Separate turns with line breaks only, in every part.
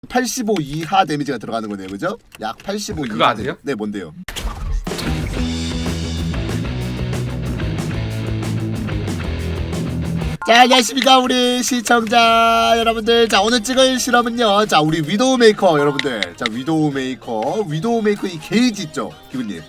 85 이하 데미지가 들어가는 거네요, 그죠? 약 85
그거
이하.
아세요?
네, 뭔데요? 자, 안녕하십니까 우리 시청자 여러분들. 자, 오늘 찍을 실험은요, 자, 우리 위도우 메이커 여러분들. 자, 위도우 메이커 이 게이지 있죠, 기분님?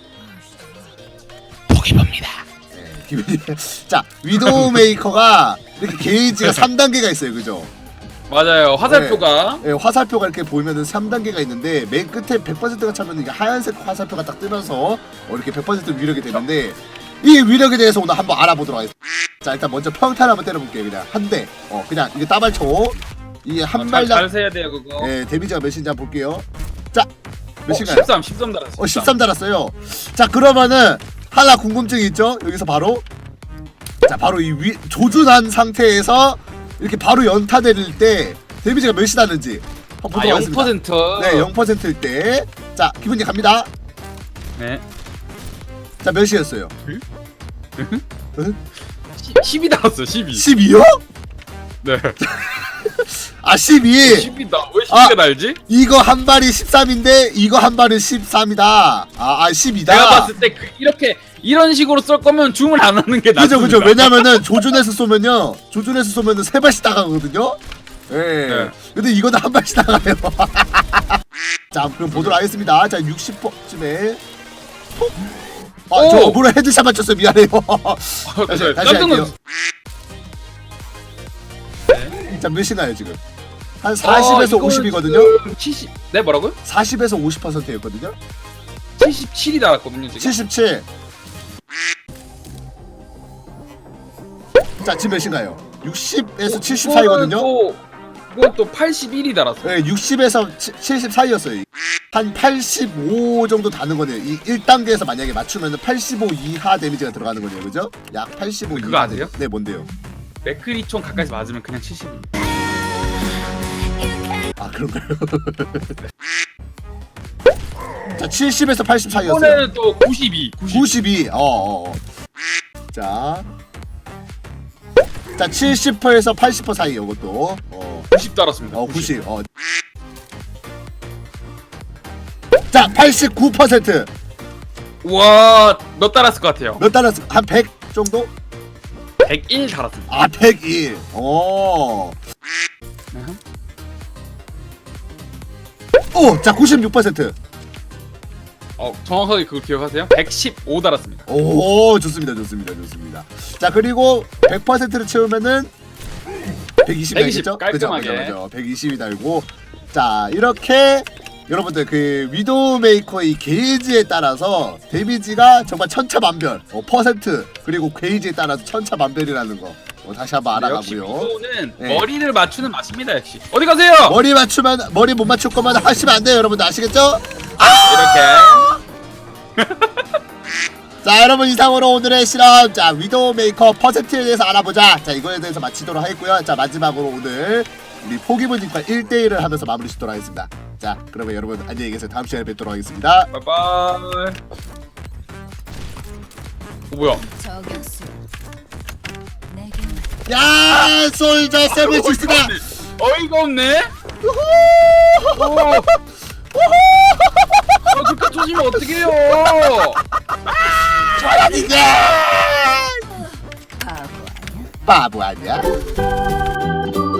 포기봅니다.
네, 기분님. 자, 위도우 메이커가 이렇게 게이지가 3단계가 있어요, 그죠?
맞아요. 화살표가
네, 화살표가 이렇게 보이면은 3단계가 있는데, 맨 끝에 100%가 차면 이게 하얀색 화살표가 딱 뜨면서 이렇게 100% 위력이 되는데, 이 위력에 대해서 오늘 한번 알아보도록 하겠습니다. 자, 일단 먼저 평탄 한번 때려볼게요. 그냥 한 대. 그냥 이게 따발초. 이게 한 발당.
잘 세야 돼요 그거.
네, 데미지가 몇인지 한번 볼게요. 자, 몇인가요?
13 달았어.
13 달았어요. 자, 그러면은 하나 궁금증이 있죠? 여기서 바로, 자, 바로 이 조준한 상태에서 이렇게 바로 연타 내릴 때 데미지가 몇이 나는지 한번 보도록 하겠습니다.
0%.
네, 0%일 때. 자, 기분이 갑니다.
네.
자, 몇이었어요?
10이 달았어. 12.
12요?
네.
아, 12.
10이다. 왜 12가 날지?
이거 한 발이 13인데 이거 한 발은 13이다. 12다.
내가 봤을 때 이렇게 이런 식으로 쏠 거면 줌을 안 하는 게 낫습니다.
그죠. 왜냐면은 조준해서 쏘면은 세 발씩 나가거든요. 예.
네.
근데 이거는 한 발씩 나가요. 자, 그럼 보도록 하겠습니다. 자, 60%쯤에 톡. 저 뭐라 헤드샷 맞췄어요. 미안해요. 다시 할게요.
네.
자, 몇이나요 지금? 한 40에서 50이거든요.
70. 네, 뭐라고요?
40에서 50%였거든요.
77이 달았거든요 지금.
77. 자, 지금 몇인가요? 60에서 70 사이거든요.
이건 또 81이 달았어.
네, 60에서 70 사이였어요. 한 85 정도 다는 거네요. 이 1단계에서 만약에 맞추면 85 이하 데미지가 들어가는 거네요, 그죠? 약 85
그거
이하.
아세요?
네, 뭔데요?
맥크리총 가까이서 맞으면 그냥 70입니다.
아, 그런가요? 자, 70에서 80 사이였어요.
이번에는 또 92.
92. 자, 70%에서 80% 사이 이것도.
90 달았습니다.
90. 자, 89%.
우와, 몇 달았을 것 같아요?
몇 달았어? 한 100 정도?
101 달았습니다.
아, 101. 자, 96%.
정확하게 그걸 기억하세요? 115 달았습니다.
오, 좋습니다. 자, 그리고 100%를 채우면은 120이
120,
달겠죠?
깔끔하게.
그죠. 120이 달고. 자, 이렇게 여러분들 그 위도우 메이커의 게이지에 따라서 데미지가 정말 천차만별. 퍼센트 그리고 게이지에 따라서 천차만별이라는 거. 다시 한번
역시
알아가고요.
이거는
네.
머리를 맞추는 맛입니다. 역시. 어디 가세요?
머리 못 맞출 거면 하시면 안 돼요, 여러분들 아시겠죠?
이렇게.
자, 여러분, 이상으로 오늘의 실험, 자, 위도우 메이커 퍼센트에 대해서 알아보자. 자, 이거에 대해서 마치도록 하겠고요. 자, 마지막으로 오늘 우리 포기부님과 1대1을 하면서 마무리 짓도록 하겠습니다. 자, 그러면 여러분 안녕히 계세요. 다음 시간에 뵙도록 하겠습니다.
바이바이. 뭐야?
야, 솔저 세븐식스다.
어이가 없네. 그렇게 조심면 어떡해요?
이게 바보 아니야?